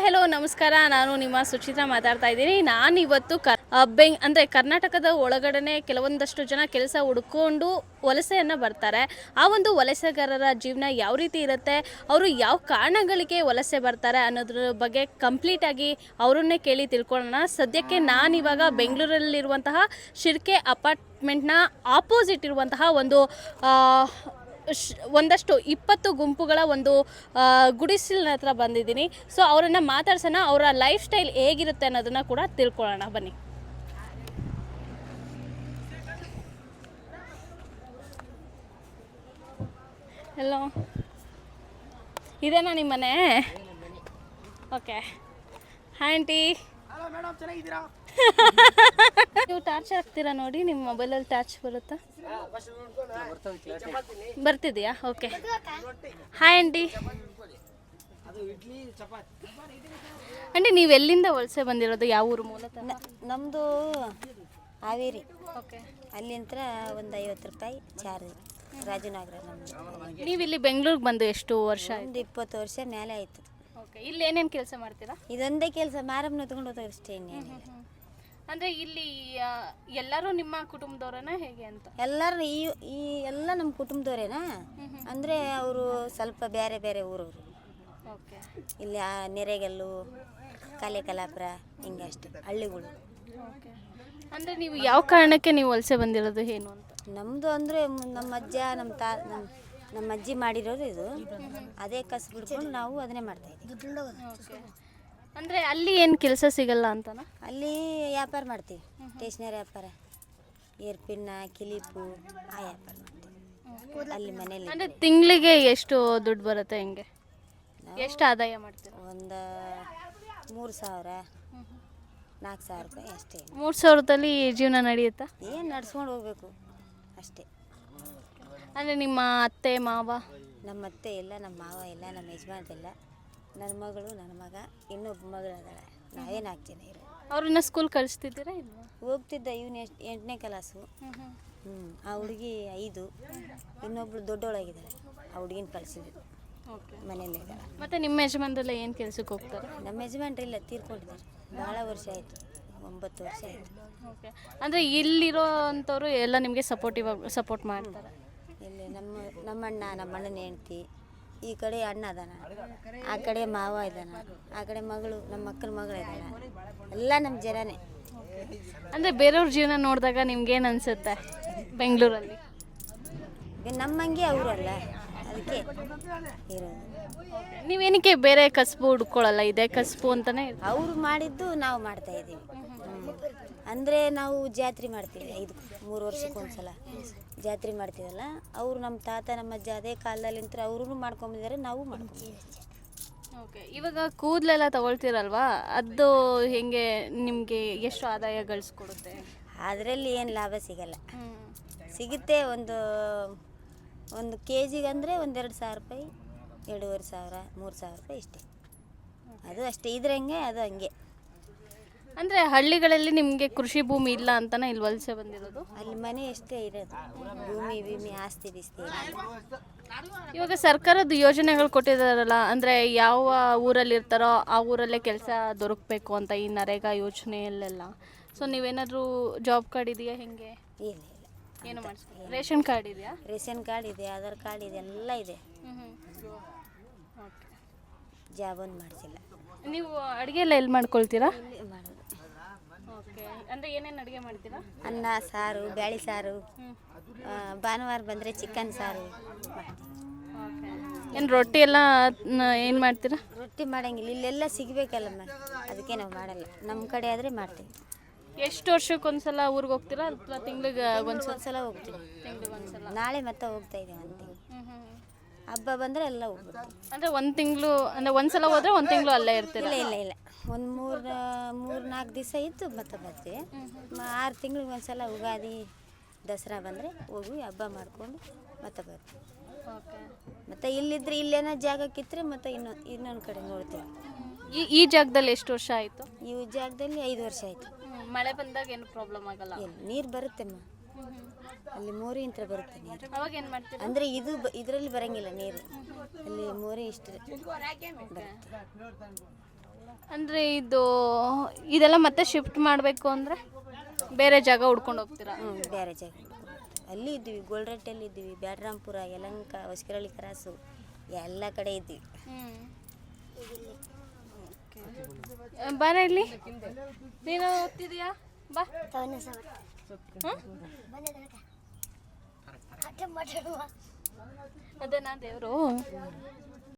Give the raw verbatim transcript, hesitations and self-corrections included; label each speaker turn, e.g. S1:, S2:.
S1: Hello ನಮಸ್ಕಾರ. ನಾನು ನಿಮ್ಮ ಸುಚಿತ್ರಾ ಮಾತಾಡ್ತಾ ಇದ್ದೀನಿ. ನಾನು ಇವತ್ತು ಕ ಬೆಂಗ್ ಅಂದರೆ ಕರ್ನಾಟಕದ ಒಳಗಡೆ ಕೆಲವೊಂದಷ್ಟು ಜನ ಕೆಲಸ ಹುಡ್ಕೊಂಡು ವಲಸೆಯನ್ನು ಬರ್ತಾರೆ. ಆ ಒಂದು ವಲಸೆಗಾರರ ಜೀವನ ಯಾವ ರೀತಿ ಇರುತ್ತೆ, ಅವರು ಯಾವ ಕಾರಣಗಳಿಗೆ ವಲಸೆ ಬರ್ತಾರೆ ಅನ್ನೋದ್ರ ಬಗ್ಗೆ ಕಂಪ್ಲೀಟಾಗಿ ಅವರನ್ನೇ ಕೇಳಿ ತಿಳ್ಕೊಳ್ಳೋಣ. ಸದ್ಯಕ್ಕೆ ನಾನಿವಾಗ ಬೆಂಗಳೂರಲ್ಲಿರುವಂತಹ ಶಿರ್ಕೆ ಅಪಾರ್ಟ್ಮೆಂಟ್ನ ಆಪೋಸಿಟ್ ಇರುವಂತಹ ಒಂದು ಒಂದಷ್ಟು ಇಪ್ಪತ್ತು ಗುಂಪುಗಳ ಒಂದು ಗುಡಿಸಲಿನ ಹತ್ರ ಬಂದಿದ್ದೀನಿ. ಸೊ ಅವರನ್ನು ಮಾತಾಡ್ಸೋಣ, ಅವರ ಲೈಫ್ ಸ್ಟೈಲ್ ಹೇಗಿರುತ್ತೆ ಅನ್ನೋದನ್ನು ಕೂಡ ತಿಳ್ಕೊಳ್ಳೋಣ ಬನ್ನಿ. ಹಲೋ, ಇದೇನಾ ನಿಮ್ಮ ಮನೆ? ಓಕೆ. Hi aunty. ನೀವು ಟಾರ್ಚ್ ಹಾಕ್ತೀರಾ ನೋಡಿ, ನಿಮ್ಮ ಮೊಬೈಲಲ್ಲಿ ಟಾರ್ಚ್ ಬರುತ್ತಾ? ಬರ್ತಿದೆಯಾ? ಓಕೆ. Hi aunty. ಆಂಟಿ, ನೀವು ಎಲ್ಲಿಂದ ವಲಸೆ ಬಂದಿರೋದು? ಯಾವ ಊರು ಮೂಲತಃ?
S2: ನಮ್ಮದು ಹಾವೇರಿ.
S1: ಓಕೆ.
S2: ಅಲ್ಲಿಂದ ಒಂದು ಐವತ್ತು ರೂಪಾಯಿ ಚಾರ್ಜ್. ರಾಜನಗರ ನಮ್ಮದು.
S1: ನೀವು ಇಲ್ಲಿ ಬೆಂಗಳೂರಿಗೆ ಬಂದು ಎಷ್ಟು ವರ್ಷ?
S2: ಒಂದು ಇಪ್ಪತ್ತು ವರ್ಷ ಮೇಲೆ ಆಯಿತು.
S1: ಓಕೆ. ಇಲ್ಲಿ ಏನೇನು ಕೆಲಸ ಮಾಡ್ತೀರಾ?
S2: ಇದೊಂದೇ ಕೆಲಸ, ಮಾರಮ್ಮನ ಎತ್ಕೊಂಡು ಹೋದಾಗ ಅಷ್ಟೇ. ಇನ್ನೇನಿಲ್ಲ.
S1: ಅಂದರೆ ಇಲ್ಲಿ ಎಲ್ಲರೂ ನಿಮ್ಮ ಕುಟುಂಬದವರನ್ನ ಹೇಗೆ ಅಂತ?
S2: ಎಲ್ಲರೂ ಈ ಈ ಎಲ್ಲ ನಮ್ಮ ಕುಟುಂಬದವರೇನಾ? ಅಂದರೆ ಅವರು ಸ್ವಲ್ಪ ಬೇರೆ ಬೇರೆ ಊರವರು.
S1: ಓಕೆ.
S2: ಇಲ್ಲಿ ಆ ನೆರೆಗಲ್ಲು, ಕಲೆ ಕಲಾಪುರ, ಹಿಂಗೆ ಅಷ್ಟೇ ಹಳ್ಳಿಗಳು.
S1: ಓಕೆ. ಅಂದರೆ ನೀವು ಯಾವ ಕಾರಣಕ್ಕೆ ನೀವು ವಲಸೆ ಬಂದಿರೋದು ಏನು ಅಂತ?
S2: ನಮ್ಮದು ಅಂದರೆ ನಮ್ಮ ಅಜ್ಜ ನಮ್ಮ ತಾ ನಮ್ಮ ನಮ್ಮ ಅಜ್ಜಿ ಮಾಡಿರೋದು ಇದು. ಅದೇ ಕಸು ಬಿಡ್ಕೊಂಡು ನಾವು ಅದನ್ನೇ ಮಾಡ್ತಾಯಿದ್ದೀವಿ.
S1: ಓಕೆ. ಅಂದರೆ ಅಲ್ಲಿ ಏನು ಕೆಲಸ ಸಿಗಲ್ಲ ಅಂತನಾ?
S2: ಅಲ್ಲಿ ವ್ಯಾಪಾರ ಮಾಡ್ತೀವಿ, ಸ್ಟೇಷ್ನರಿ ವ್ಯಾಪಾರ, ಏರ್ಪಿನ್ನ, ಕಿಲಿಪು, ಆ ವ್ಯಾಪಾರ ಮಾಡ್ತೀವಿ ಅಲ್ಲಿ ಮನೇಲಿ.
S1: ಅಂದರೆ ತಿಂಗಳಿಗೆ ಎಷ್ಟು ದುಡ್ಡು ಬರುತ್ತೆ? ಹೆಂಗೆ, ಎಷ್ಟು ಆದಾಯ ಮಾಡ್ತೀವಿ?
S2: ಒಂದು ಮೂರು ಸಾವಿರ ನಾಲ್ಕು ಸಾವಿರ ರೂಪಾಯಿ ಅಷ್ಟೇ.
S1: ಮೂರು ಸಾವಿರದಲ್ಲಿ ಜೀವನ ನಡೆಯುತ್ತಾ?
S2: ಏನು ನಡ್ಸ್ಕೊಂಡು ಹೋಗ್ಬೇಕು ಅಷ್ಟೇ.
S1: ಅಂದರೆ ನಿಮ್ಮ ಅತ್ತೆ ಮಾವ?
S2: ನಮ್ಮ ಅತ್ತೆ ಇಲ್ಲ, ನಮ್ಮ ಮಾವ ಇಲ್ಲ, ನಮ್ಮ ಯಜಮಾನ್ರಿಲ್ಲ. ನನ್ನ ಮಗಳು, ನನ್ನ ಮಗ, ಇನ್ನೊಬ್ಬ ಮಗಳು ಅದಾಳೆ. ನಾವೇ ನಾಲ್ಕು ಜನ ಇರೋ.
S1: ಅವ್ರನ್ನ ಸ್ಕೂಲ್ ಕಳಿಸ್ತಿದ್ದೀರಾ? ಇಲ್ಲ,
S2: ಹೋಗ್ತಿದ್ದ. ಇವನು ಎಷ್ಟು ಎಂಟನೇ ಕ್ಲಾಸು. ಹ್ಞೂ. ಆ ಹುಡುಗಿ ಐದು. ಇನ್ನೊಬ್ಳು ದೊಡ್ಡವಳಾಗಿದ್ದಾಳೆ. ಆ ಹುಡುಗಿನ ಕಳಿಸಿದ್ರು.
S1: ಓಕೆ.
S2: ಮನೇಲಿ ಇದ್ದಾಳೆ.
S1: ಮತ್ತು ನಿಮ್ಮ ಯಜಮಾನ್ರೆಲ್ಲ ಏನು ಕೆಲಸಕ್ಕೆ ಹೋಗ್ತಾರೆ?
S2: ನಮ್ಮ ಯಜಮಾನ್ರಿಲ್ಲ, ತೀರ್ಕೊಂಡಿದ್ದಾರೆ. ಭಾಳ ವರ್ಷ ಆಯಿತು, ಒಂಬತ್ತು ವರ್ಷ ಆಯಿತು.
S1: ಓಕೆ. ಅಂದರೆ ಇಲ್ಲಿರೋ ಅಂಥವ್ರು ಎಲ್ಲ ನಿಮಗೆ ಸಪೋರ್ಟಿವ್ ಸಪೋರ್ಟ್ ಮಾಡ್ತಾರೆ?
S2: ಇಲ್ಲಿ ನಮ್ಮ ನಮ್ಮಣ್ಣ, ನಮ್ಮ ಅಣ್ಣನ ಹೆಂಡ್ತಿ, ಈ ಕಡೆ ಅಣ್ಣ ಅದಾನ, ಆ ಕಡೆ ಮಾವ ಇದ್ದಾನ, ಆ ಕಡೆ ಮಗಳು, ನಮ್ಮ ಅಕ್ಕನ ಮಗಳು ಇದ್ದಾಳ. ಎಲ್ಲ ನಮ್ಮ ಜನನೇ.
S1: ಅಂದರೆ ಬೇರೆಯವ್ರ ಜೀವನ ನೋಡಿದಾಗ ನಿಮ್ಗೇನು ಅನಿಸುತ್ತೆ ಬೆಂಗಳೂರಲ್ಲಿ?
S2: ನಮ್ಮಂಗೆ ಅವರಲ್ಲ, ಅದಕ್ಕೆ ಇರೋದು.
S1: ನೀವೇನಕ್ಕೆ ಬೇರೆ ಕಸಬು ಹುಡ್ಕೊಳ್ಳಲ್ಲ? ಇದೇ ಕಸಬು ಅಂತಲೇ
S2: ಅವರು ಮಾಡಿದ್ದು ನಾವು ಮಾಡ್ತಾಯಿದ್ದೀವಿ. ಅಂದರೆ ನಾವು ಜಾತ್ರೆ ಮಾಡ್ತೀವಿ, ಐದು ಮೂರು ವರ್ಷಕ್ಕೆ ಒಂದು ಸಲ ಜಾತ್ರೆ ಮಾಡ್ತೀವಲ್ಲ. ಅವರು ನಮ್ಮ ತಾತ ನಮ್ಮ ಅಜ್ಜ ಅದೇ ಕಾಲದಲ್ಲಿಂತ ಅವರು ಮಾಡ್ಕೊಂಬಿದ್ದಾರೆ, ನಾವು ಮಾಡ್ಕೊಂಬಿದ್ದೀವಿ.
S1: ಓಕೆ. ಇವಾಗ ಕೂದಲೆಲ್ಲ ತಗೊಳ್ತೀರಲ್ವಾ, ಅದು ಹೆಂಗೆ ನಿಮಗೆ ಎಷ್ಟು ಆದಾಯ ಗಳಿಸ್ಕೊಡುತ್ತೆ?
S2: ಅದರಲ್ಲಿ ಏನು ಲಾಭ ಸಿಗಲ್ಲ. ಸಿಗುತ್ತೆ ಒಂದು ಒಂದು ಕೆ ಜಿಗೆ ಅಂದರೆ ಒಂದೆರಡು ಸಾವಿರ ರೂಪಾಯಿ, ಎರಡೂವರೆ ಸಾವಿರ, ಮೂರು ಸಾವಿರ ರೂಪಾಯಿ ಇಷ್ಟೇ. ಅದು ಅಷ್ಟೇ. ಇದ್ರಂಗೆ ಅದು ಹಂಗೆ.
S1: ಅಂದರೆ ಹಳ್ಳಿಗಳಲ್ಲಿ ನಿಮಗೆ ಕೃಷಿ ಭೂಮಿ ಇಲ್ಲ ಅಂತಲೇ ಇಲ್ಲಿ ವಲಸೆ ಬಂದಿರೋದು?
S2: ಅಲ್ಲಿ ಮನೆ ಎಷ್ಟೇ ಇರೋದು, ಭೂಮಿ ಭೂಮಿ ಆಸ್ತಿ ಬಿಸ್ತಿ.
S1: ಇವಾಗ ಸರ್ಕಾರದ ಯೋಜನೆಗಳು ಕೊಟ್ಟಿದ್ದಾರಲ್ಲ, ಅಂದರೆ ಯಾವ ಊರಲ್ಲಿ ಇರ್ತಾರೋ ಆ ಊರಲ್ಲೇ ಕೆಲಸ ದೊರಕಬೇಕು ಅಂತ, ಈ ನರೇಗಾ ಯೋಜನೆಯಲ್ಲೆಲ್ಲ. ಸೊ ನೀವೇನಾದರೂ ಜಾಬ್ ಕಾರ್ಡ್ ಇದೆಯಾ? ಹೆಂಗೆ?
S2: ಇಲ್ಲ ಇಲ್ಲ,
S1: ಏನು ಮಾಡಿಸ್ತೀವಿ? ರೇಷನ್ ಕಾರ್ಡ್ ಇದೆಯಾ?
S2: ರೇಷನ್ ಕಾರ್ಡ್ ಇದೆ, ಆಧಾರ್ ಕಾರ್ಡ್ ಇದೆ, ಎಲ್ಲ ಇದೆ.
S1: ಓಕೆ.
S2: ಜಾಬ್ ಒಂದು ಮಾಡಿಸಿಲ್ಲ.
S1: ನೀವು ಅಡುಗೆ ಎಲ್ಲ ಎಲ್ಲಿ ಮಾಡ್ಕೊಳ್ತೀರಾ?
S2: ಮಾಡೋದು.
S1: ಓಕೆ. ಅಂದರೆ ಏನೇನು ಅಡುಗೆ ಮಾಡ್ತೀರಾ?
S2: ಅನ್ನ ಸಾರು, ಬ್ಯಾಳಿ ಸಾರು, ಭಾನುವಾರ ಬಂದರೆ ಚಿಕನ್ ಸಾರು ಮಾಡ್ತೀವಿ.
S1: ಓಕೆ. ಏನು ರೊಟ್ಟಿ ಎಲ್ಲ ಏನು ಮಾಡ್ತೀರಾ?
S2: ರೊಟ್ಟಿ ಮಾಡೋಂಗಿಲ್ಲ, ಇಲ್ಲೆಲ್ಲ ಸಿಗಬೇಕಲ್ಲಮ್ಮ, ಅದಕ್ಕೆ ನಾವು ಮಾಡಲ್ಲ. ನಮ್ಮ ಕಡೆ ಆದರೆ ಮಾಡ್ತೀವಿ.
S1: ಎಷ್ಟು ವರ್ಷಕ್ಕೆ ಒಂದ್ಸಲ ಊರಿಗೆ ಹೋಗ್ತೀರಾ ಅಥವಾ ತಿಂಗಳಿಗೆ ಒಂದ್ಸಲ?
S2: ಒಂದ್ಸಲ ಹೋಗ್ತೀವಿ.
S1: ತಿಂಗಳಿಗೆ ಒಂದ್ಸಲ.
S2: ನಾಳೆ ಮತ್ತೆ ಹೋಗ್ತಾ ಇದ್ದೀವಿ. ಒಂದು ತಿಂಗಳು ಹಬ್ಬ ಬಂದರೆ ಎಲ್ಲ ಹೋಗ್ಬಿಡ್ತೀವಿ.
S1: ಅಂದರೆ ಒಂದು ತಿಂಗಳು, ಅಂದರೆ ಒಂದು ಸಲ ಹೋದರೆ ಒಂದು ತಿಂಗಳು ಅಲ್ಲೇ ಇರ್ತೀರಾ?
S2: ಇಲ್ಲ ಇಲ್ಲ ಇಲ್ಲ, ಒಂದು ಮೂರು ಮೂರು ನಾಲ್ಕು ದಿವಸ ಇತ್ತು ಮತ್ತೆ ಬರ್ತೀವಿ. ಆರು ತಿಂಗಳಿಗೆ ಒಂದು ಸಲ ಯುಗಾದಿ ದಸರಾ ಬಂದರೆ ಹೋಗಿ ಹಬ್ಬ ಮಾಡಿಕೊಂಡು ಮತ್ತೆ ಬರ್ತೀವಿ.
S1: ಓಕೆ.
S2: ಮತ್ತು ಇಲ್ಲಿದ್ರೆ ಇಲ್ಲೇನೋ ಜಾಗಕ್ಕಿದ್ರೆ ಮತ್ತೆ ಇನ್ನೊಂದು ಇನ್ನೊಂದು ಕಡೆ ನೋಡ್ತೀವಿ.
S1: ಈ ಈ ಜಾಗದಲ್ಲಿ ಎಷ್ಟು ವರ್ಷ ಆಯಿತು?
S2: ಈ ಜಾಗದಲ್ಲಿ ಐದು ವರ್ಷ ಆಯಿತು.
S1: ಮಳೆ ಬಂದಾಗ ಏನು ಪ್ರಾಬ್ಲಮ್ ಆಗಲ್ಲ?
S2: ಎಲ್ಲಿ ನೀರು ಬರುತ್ತೆಮ್ಮ, ಅಲ್ಲಿ ಮೋರಿ ಇಂತ್ರ ಬರುತ್ತೆ ನೀರು.
S1: ಅವಾಗ ಏನು ಮಾಡ್ತೀವಿ?
S2: ಅಂದರೆ ಇದು ಇದರಲ್ಲಿ ಬರೋಂಗಿಲ್ಲ ನೀರು, ಅಲ್ಲಿ ಮೋರಿ ಇಷ್ಟು ಬರುತ್ತೆ.
S1: ಅಂದರೆ ಇದು ಇದೆಲ್ಲ ಮತ್ತೆ ಶಿಫ್ಟ್ ಮಾಡಬೇಕು ಅಂದರೆ ಬೇರೆ ಜಾಗ ಹುಡ್ಕೊಂಡು ಹೋಗ್ತೀರಾ?
S2: ಹ್ಞೂ ಬೇರೆ ಜಾಗ ಅಲ್ಲಿ ಇದ್ದೀವಿ. ಗೋಲ್ರಟ್ಟೆಲ್ಲಿ ಇದ್ದೀವಿ, ಬ್ಯಾಡ್ರಾಂಪುರ, ಯಲಂಕ, ಹೊಸಕರಳ್ಳಿ ಕ್ರಾಸು ಎಲ್ಲ ಕಡೆ ಇದ್ದೀವಿ.
S1: ಬಾರ ಇಲ್ಲಿ, ನೀನು ಓದ್ತಿದೀಯಾ? ಬಾ. ಅದೇನಾ ದೇವರು?